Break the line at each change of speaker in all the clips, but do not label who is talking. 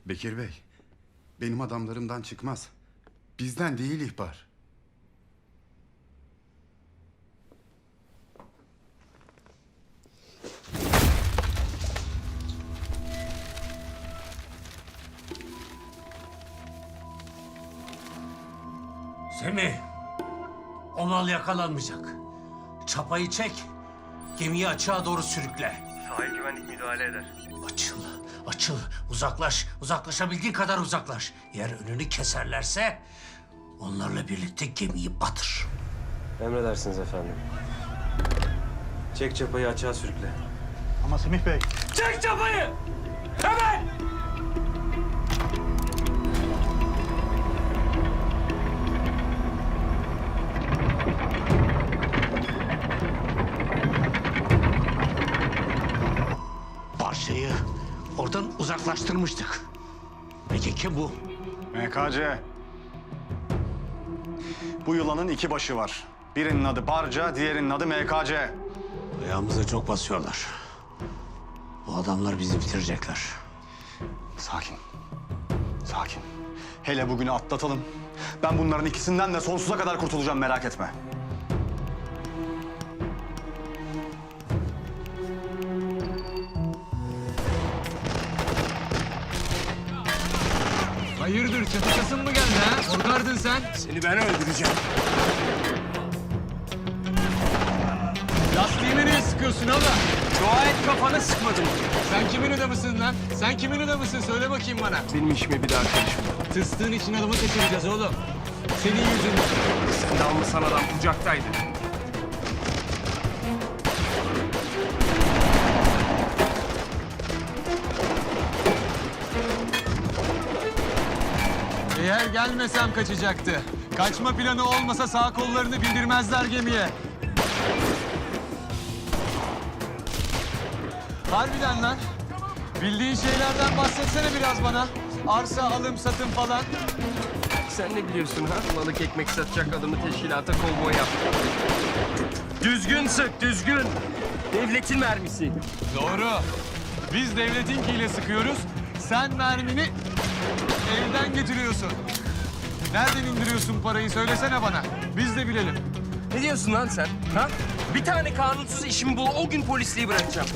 Bekir Bey, benim adamlarımdan çıkmaz. Bizden değil ihbar.
Semih, o mal yakalanmayacak. Çapayı çek, gemiyi açığa doğru sürükle.
Sahil güvenlik müdahale eder.
Açıl, açıl, uzaklaş. Uzaklaşabildiğin kadar uzaklaş. Eğer önünü keserlerse onlarla birlikte gemiyi batır.
Emredersiniz efendim. Çek çapayı açığa sürükle.
Ama Semih Bey.
Çek çapayı! Hemen! Parçayı oradan uzaklaştırmıştık. Peki kim bu?
MKC. Bu yılanın iki başı var. Birinin adı Barca, diğerinin adı MKC.
Ayağımıza çok basıyorlar. Bu adamlar bizi bitirecekler.
Sakin. Sakin. Hele bugünü atlatalım. Ben bunların ikisinden de sonsuza kadar kurtulacağım, merak etme.
Hayırdır, çatışasın mı geldi ha? Korkardın sen.
Seni ben öldüreceğim.
Lastiğimi niye sıkıyorsun ama?
Dua et kafanı sıkmadım.
Sen kimin adamısın lan? Sen kimin adamısın? Söyle bakayım bana.
Benim işime bir daha karışma.
Tыстığın için adamı kaçıracağız oğlum. Senin yüzünden.
Sen de almışsan adam kucaktaydı.
Eğer gelmesem kaçacaktı. Kaçma planı olmasa sağ kollarını bildirmezler gemiye. Harbiden lan. Bildiğin şeylerden bahsetsene biraz bana. Arsa, alım, satım falan.
Sen ne biliyorsun ha? Balık ekmek satacak adamı teşkilata kovboy yap. Düzgün sık, düzgün. Devletin mermisi.
Doğru. Biz devletinkiyle sıkıyoruz. Sen mermini evden getiriyorsun. Nereden indiriyorsun parayı söylesene bana. Biz de bilelim.
Ne diyorsun lan sen? Ha? Bir tane kanunsuz işimi bul, o gün polisliği bırakacağım.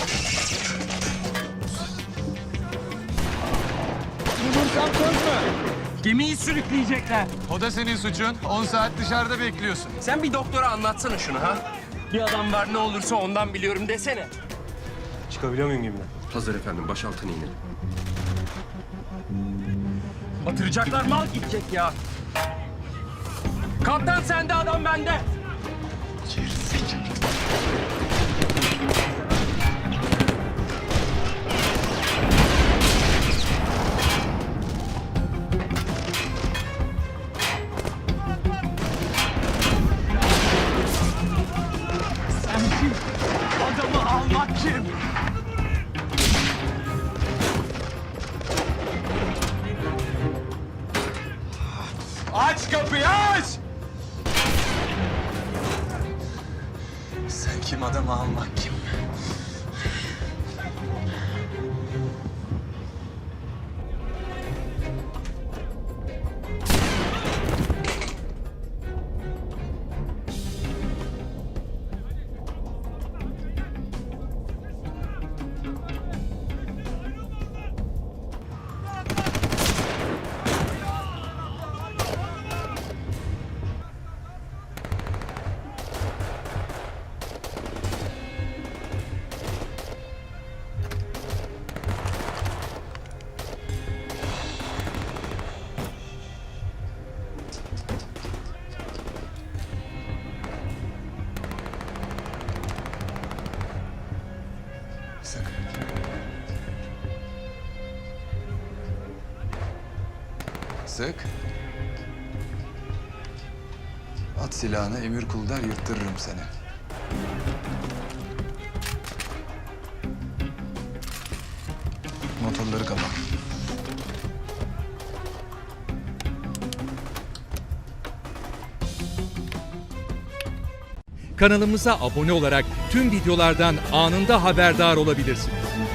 Bulursam söz mü?
Gemiyi sürükleyecekler.
O da senin suçun. 10 saat dışarıda bekliyorsun.
Sen bir doktora anlatsana şunu ha. Bir adam var, ne olursa ondan biliyorum desene. Çıkabiliyor muyum gemiden? Hazır efendim, baş altına inelim. Batıracaklar, mal gidecek ya. Kaptan sende, adam bende.
Sen kim? Adamı almak kim? Aç kapıyı, aç! Sen kim, adamı almak kim? Sık. Sık. At silahını, emir kul der, yırttırırım seni. Motorları kapat.
Kanalımıza abone olarak tüm videolardan anında haberdar olabilirsiniz.